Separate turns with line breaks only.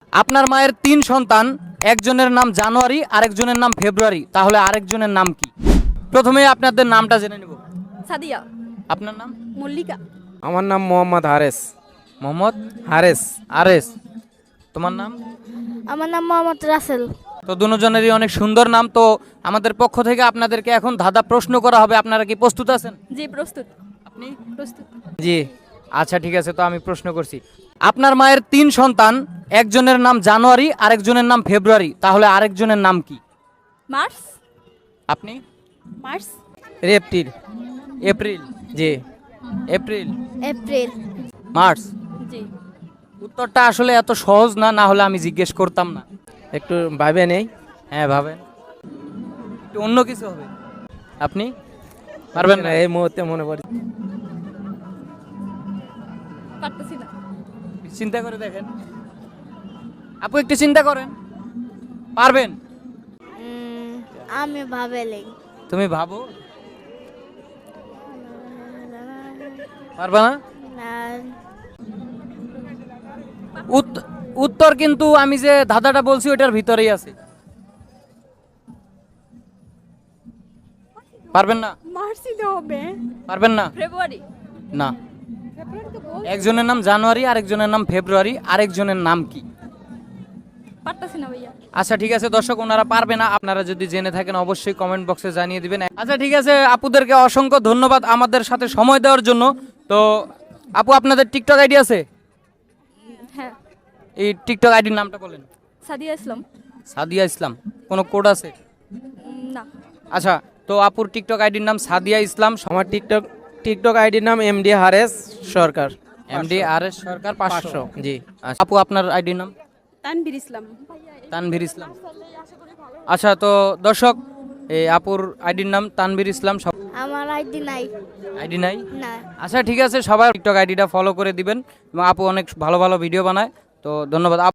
আপনার মায়ের 3 সন্তান, একজনের নাম জানুয়ারি, আরেকজনের নাম ফেব্রুয়ারি, তাহলে আরেকজনের নাম কি? প্রথমে আপনাদের নামটা জেনে নেব।
সাদিয়া।
আপনার নাম?
মল্লিকা।
আমার নাম মোহাম্মদ হারেস।
মোহাম্মদ
হারেস।
আরেস। তোমার নাম?
আমার নাম মোহাম্মদ রাসেল।
তো দুজনেরই অনেক সুন্দর নাম। তো আমাদের পক্ষ থেকে আপনাদেরকে এখন ধাঁধা প্রশ্ন করা হবে, আপনারা কি প্রস্তুত আছেন?
জি প্রস্তুত।
আপনি?
প্রস্তুত।
জি।
আচ্ছা ঠিক আছে, তো আমি প্রশ্ন করছি। আপনার মায়ের 3 সন্তান, একজনের নাম জানুয়ারি, আরেকজনের নাম ফেব্রুয়ারি, তাহলে আরেকজনের নাম কি?
মার্চ।
আপনি?
মার্চ।
রেপটিল।
এপ্রিল।
জি।
April,
April.
মার্চ।
জি।
উত্তরটা আসলে এত সহজ না, না হলে আমি জিজ্ঞেস করতাম না।
একটু ভাবে নেই।
হ্যাঁ ভাবেন, একটু অন্য কিছু হবে। আপনি পারবেন না?
এই মুহূর্তে মনে পড়ে।
পারতেছি না।
চিন্তা করে দেখেন আপু, একটু চিন্তা করেন, পারবেন?
আমি ভাবেলেই।
তুমি ভাবো, পারবা না? উত্তর কিন্তু আমি যে ধাঁধাটা বলছি ওটার ভিতরেই আছে। পারবেন না?
মার্চই তো হবে।
পারবেন না?
ফেব্রুয়ারি।
না।
ফেব্রুয়ারি তো
একজনের নাম জানুয়ারি, আরেকজনের নাম ফেব্রুয়ারি, আরেকজনের নাম কি?
পারতেছি না ভাইয়া।
আচ্ছা ঠিক আছে দর্শক, ওনারা পারবে না। আপনারা যদি জেনে থাকেন অবশ্যই কমেন্ট বক্সে জানিয়ে দিবেন। আচ্ছা ঠিক আছে, আপুদেরকে অসংখ্য ধন্যবাদ আমাদের সাথে সময় দেওয়ার জন্য। তো আপু, আপনাদের টিকটক আইডি আছে?
হ্যাঁ।
এই টিকটক আইডির নামটা বলেন।
সাদিয়া ইসলাম।
সাদিয়া ইসলাম। কোনো কোড আছে?
না।
আচ্ছা, তো আপুর টিকটক আইডির নাম সাদিয়া ইসলাম,
আমার টিকটক আইডির নাম MD Hares Sarkar.
MD R S Sarkar 500।
জি।
আচ্ছা, আপু আপনার আইডির নাম?
তানভীর ইসলাম।
তানভীর ইসলাম। আচ্ছা, তো দর্শক, এই আপুর আইডির নাম তানভীর ইসলাম।
আমার আইডি নাই।
আইডি নাই?
না।
আচ্ছা ঠিক আছে, সবাই টিকটক আইডিটা ফলো করে দিবেন। এবং আপু অনেক ভালো ভালো ভিডিও বানায়। তো ধন্যবাদ।